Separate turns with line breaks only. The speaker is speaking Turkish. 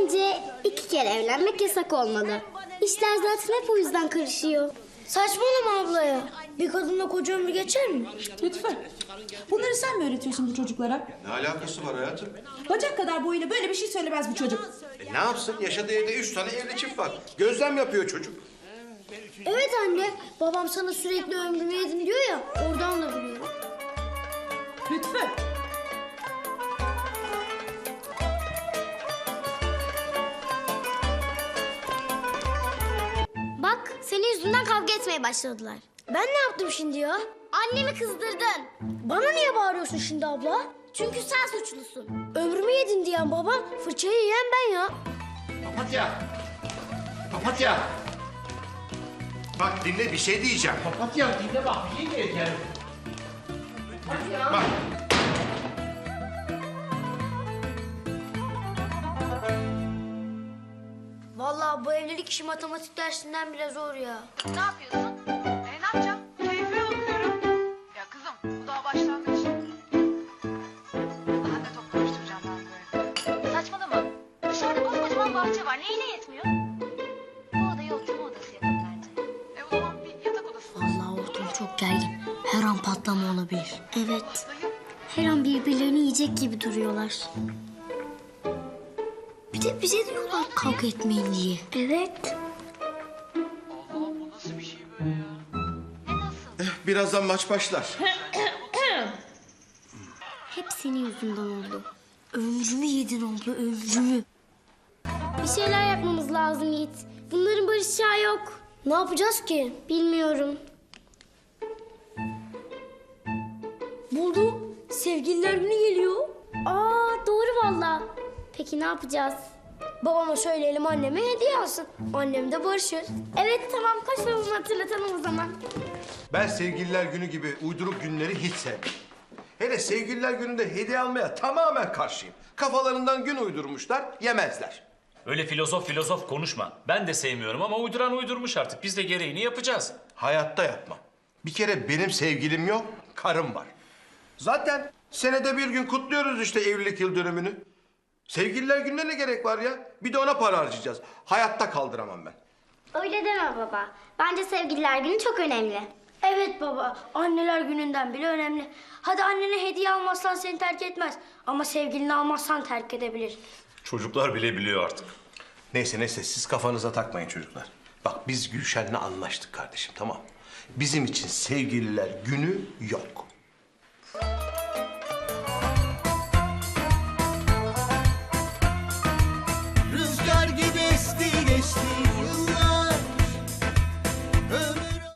Bence 2 kere evlenmek yasak olmalı. İşler zaten hep o yüzden karışıyor.
Saçmalama abla ya. Bir kadınla koca ömrü geçer mi?
Lütfen. Bunları sen mi öğretiyorsun bu çocuklara?
Ne alakası var hayatım?
Bacak kadar boyuyla böyle bir şey söylemez bu çocuk.
Ne yapsın? Yaşadığı evde 3 tane evli çift var. Gözlem yapıyor çocuk.
Evet anne. Babam sana sürekli ömrümü yedin diyor ya. Oradan da biliyorum.
Lütfen.
Bak senin yüzünden kavga etmeye başladılar.
Ben ne yaptım şimdi ya?
Annemi kızdırdın.
Bana niye bağırıyorsun şimdi abla?
Çünkü sen suçlusun.
Ömrümü yedin diyen babam, fırçayı yiyen ben ya.
Papatya! Papatya! Bak dinle bir şey diyeceğim.
Papatya dinle bak bir şey diyeceğim.
Bak.
Vallahi bu evlilik işi matematik dersinden bile zor ya.
Ne yapıyorsun? Ne yapacağım? Keyfime bakıyorum. Ya kızım bu daha başlangıç. Daha da top konuşturacağım ben böyle. Saçmalama. Dışarıda koskocaman bahçe var. Neyine yetmiyor? Bu odayı oturma odası yapın bence. O zaman bir yatak odası.
Vallahi ortam çok gergin. Her an patlama olabilir.
Evet. Her an birbirlerini yiyecek gibi duruyorlar.
Bir de bize diyorlar kavga etmeyin diye.
Evet.
Allah'ım bu nasıl bir şey böyle ya?
Ne nasıl?
Birazdan maç başlar.
Hep senin yüzünden oldu.
Ömrümü yedin abla, ömrümü.
Bir şeyler yapmamız lazım Yiğit. Bunların barışacağı yok.
Ne yapacağız ki?
Bilmiyorum.
Buldum. Sevgililer günü geliyor.
Aa doğru valla. Peki ne yapacağız?
Babama söyleyelim anneme hediye alsın. Annem de barışır.
Evet tamam koş babamı hatırlatalım o zaman.
Ben sevgililer günü gibi uyduruk günleri hiç sevmem. Hele sevgililer gününde hediye almaya tamamen karşıyım. Kafalarından gün uydurmuşlar, yemezler.
Öyle filozof konuşma. Ben de sevmiyorum ama uyduran uydurmuş artık. Biz de gereğini yapacağız.
Hayatta yapmam. Bir kere benim sevgilim yok, karım var. Zaten senede bir gün kutluyoruz işte evlilik yıl dönümünü. Sevgililer gününe ne gerek var ya? Bir de ona para harcayacağız. Hayatta kaldıramam ben.
Öyle deme baba. Bence sevgililer günü çok önemli.
Evet baba, anneler gününden bile önemli. Hadi annene hediye almazsan seni terk etmez. Ama sevgilini almazsan terk edebilir.
Çocuklar bile biliyor artık.
Neyse siz kafanıza takmayın çocuklar. Bak biz Gülşen'le anlaştık kardeşim tamam mı? Bizim için sevgililer günü yok.